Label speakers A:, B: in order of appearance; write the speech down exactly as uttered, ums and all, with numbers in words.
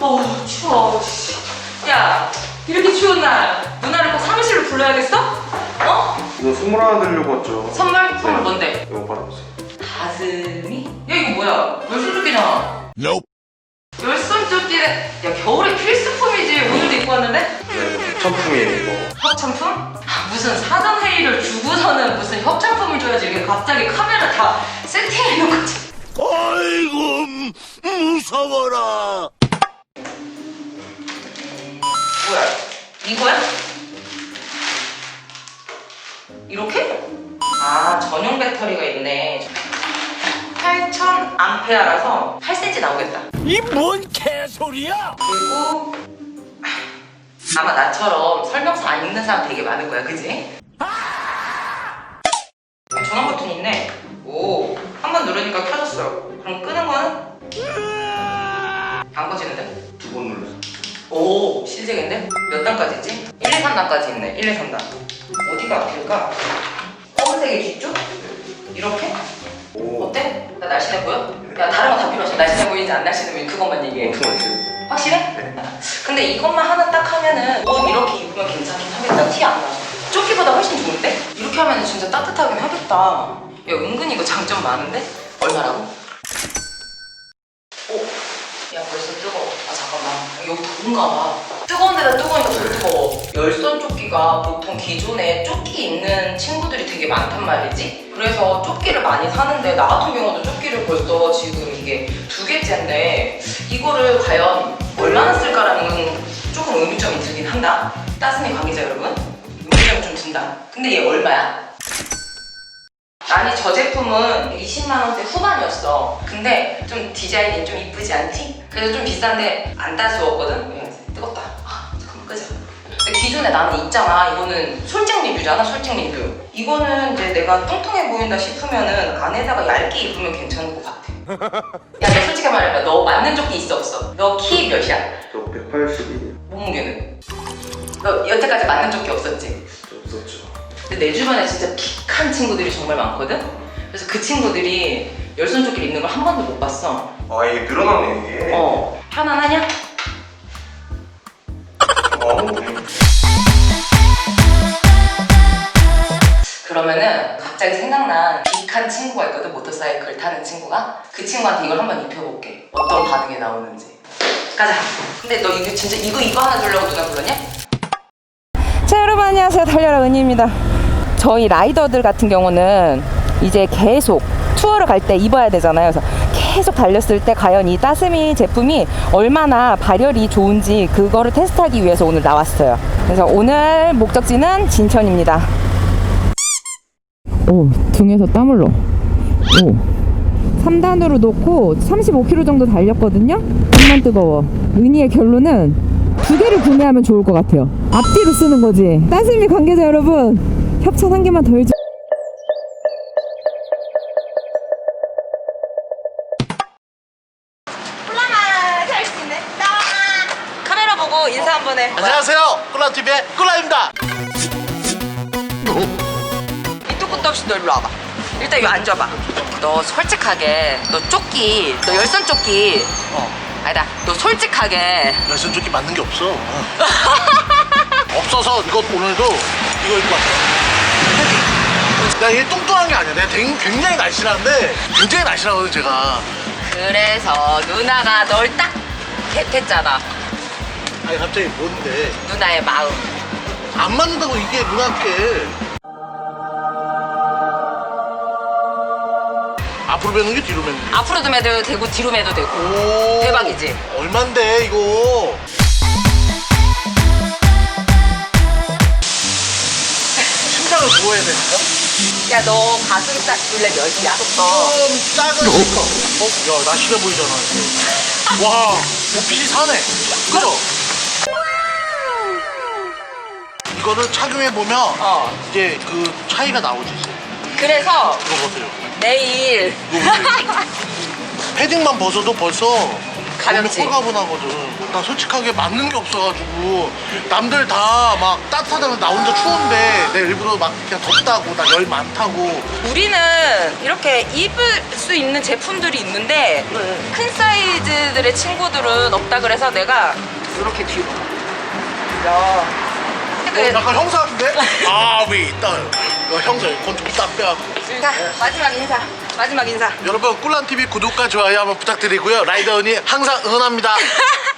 A: 어우 추워. 야 이렇게 추운 날 누나를 꼭 사무실로 불러야겠어? 어?
B: 이거 선물 하나 드리려고 왔죠.
A: 선물? 선물
B: 네.
A: 뭔데?
B: 이거 받아보세요.
A: 가슴이? 야 이거 뭐야? 열손조끼잖아.
C: Nope.
A: 열손조끼는 야 겨울에 필수품이지. 오늘도 입고 왔는데?
B: 네, 협찬품이에요 이거.
A: 협찬품? 아, 무슨 사전 회의를 주고서는 무슨 협찬품을 줘야지. 이게 갑자기 카메라 다 세팅해 놓은 거지.
C: 아이고 무서워라.
A: 뭐야? 이거야? 이렇게? 아 전용 배터리가 있네. 팔천 암페어라서 팔 센티미터 나오겠다.
C: 이 뭔 개소리야?
A: 그리고 아마 나처럼 설명서 안 읽는 사람 되게 많을 거야, 그지? 전원 버튼이 있네. 오, 한 번 누르니까 켜졌어. 그럼 끄는 거는? 안 꺼지는데?
B: 두 번 눌러서.
A: 오, 신세계인데? 몇 단까지 있지? 일, 이, 삼 단까지 있네. 일, 이, 삼 단. 어디가 앞일까? 검은색이 뒤쪽? 이렇게?
B: 오.
A: 어때? 나 날씬해 보여? 야, 다른 거 다 필요 없어. 날씬해 보이는지 안 날씬해 보이는지 그것만 얘기해.
B: 엄청 맛있어요.
A: 확실해?
B: 네.
A: 근데 이것만 하나 딱 하면은 옷 이렇게 입으면 괜찮긴 하겠다. 티 안 나서. 조끼보다 훨씬 좋은데? 이렇게 하면은 진짜 따뜻하긴 하겠다. 야, 은근히 이거 장점 많은데? 얼마라고? 오, 야 벌써 뜨거워. 아 잠깐만. 여기 더운가 봐. 뜨거운 데다 뜨거우니까 더 뜨거워. 열선 조끼가 보통 기존에 조끼 입는 친구들이 되게 많단 말이지? 그래서 조끼를 많이 사는데 나 같은 경우도 조끼를 벌써 지금 이게 두 개째인데 이거를 과연 얼마나 쓸까라는 건 조금 의문점이 들긴 한다. 따스미 관계자 여러분, 의문점이 좀 든다. 근데 얘 얼마야? 아니 저 제품은 이십만 원대 후반이었어. 근데 좀 디자인이 좀 이쁘지 않지? 그래서 좀 비싼데 안 따스웠거든? 야, 뜨겁다. 아 잠깐만 끄자. 근데 기존에 나는 있잖아. 이거는 솔직 리뷰잖아. 솔직 리뷰. 이거는 이제 내가 뚱뚱해 보인다 싶으면은 안에다가 얇게 입으면 괜찮을 것 같아. 야 너 솔직히 말해봐. 너 맞는 조끼 있어 없어? 너 키 몇이야?
B: 저 백팔십이에요.
A: 몸무게는? 너 여태까지 맞는 조끼 없었지?
B: 없었죠.
A: 근데 내 주변에 진짜 킥한 친구들이 정말 많거든? 그래서 그 친구들이 열선 조끼를 입는 걸 한 번도 못 봤어.
B: 아 이게 늘어나네 이게.
A: 어. 편안하냐?
B: 어.
A: 그러면은 갑자기 생각난 빅한 친구가 있거든. 모터사이클 타는 친구가. 그 친구한테 이걸 한번 입혀볼게. 어떤 반응이 나오는지. 가자. 근데 너 이거 진짜 이거 이거 하나 주려고 누가 불렀냐?
D: 자 여러분 안녕하세요. 달려라 은희입니다. 저희 라이더들 같은 경우는 이제 계속 투어를 갈 때 입어야 되잖아요. 그래서 계속 달렸을 때 과연 이 따스미 제품이 얼마나 발열이 좋은지 그거를 테스트하기 위해서 오늘 나왔어요. 그래서 오늘 목적지는 진천입니다. 오, 등에서 땀 흘러. 오, 삼 단으로 놓고 삼십오 킬로미터 정도 달렸거든요. 정말 뜨거워. 은희의 결론은 두 개를 구매하면 좋을 것 같아요. 앞뒤로 쓰는 거지. 따스미 관계자 여러분, 협찬 한 개만 더 해주.
A: 꿀라마 잘 수 있네. 카메라 보고 인사 한번 해.
C: 안녕하세요. 꿀라티비의 꿀라입니다.
A: 밑도 끝도 없이 너 일로 와봐. 일단 여기 앉아봐. 너 솔직하게 너 조끼 너 열선 조끼
C: 어.
A: 아니다 너 솔직하게
C: 열선 조끼 맞는 게 없어. 어. 없어서 이거 오늘도 이거 입고 왔어. 내가 얘 뚱뚱한 게 아니야. 내가 되게- 굉장히 날씬한데 굉장히 날씬하거든 제가.
A: 그래서 누나가 널 딱 겟했잖아.
C: 아니 갑자기 뭔데?
A: 누나의 마음.
C: 안 맞는다고 이게 누나께. 앞으로 매는 게 뒤로 매는 게.
A: 앞으로도 매도 되고 뒤로 매도 되고.
C: 오.
A: 대박이지?
C: 얼만데 이거? 심장을 구워야 되니까.
A: 야 너 가슴살 둘레 몇이야?
C: 좀 작은 스커. 어? 야, 나 심해 보이잖아. 이거. 와, 옷핏이 사네. 그죠? 이거를 착용해보면
A: 어.
C: 이제 그 차이가 나오지. 이제.
A: 그래서
C: 이거 보세요.
A: 내일
C: 이거 보세요. 패딩만 벗어도 벌써
A: 가볍지?
C: 몸이 홀가분하거든. 나 솔직하게 맞는 게 없어가지고 남들 다 막 따뜻하다고 나 혼자 추운데 내 일부러 막 그냥 덥다고 나 열 많다고.
A: 우리는 이렇게 입을 수 있는 제품들이 있는데 큰 사이즈
D: 레디즈들의 친구들은 없다 그래서 내가 이렇게 뒤로. 야.
C: 어,
D: 그래.
C: 약간 형사 같은데? 아, 위 있다. 어, 형사 건좀 딱 빼갖고.
D: 자, 마지막 인사. 마지막 인사.
C: 여러분 꿀란티비 구독과 좋아요 한번 부탁드리고요. 라이더 언니 항상 응원합니다.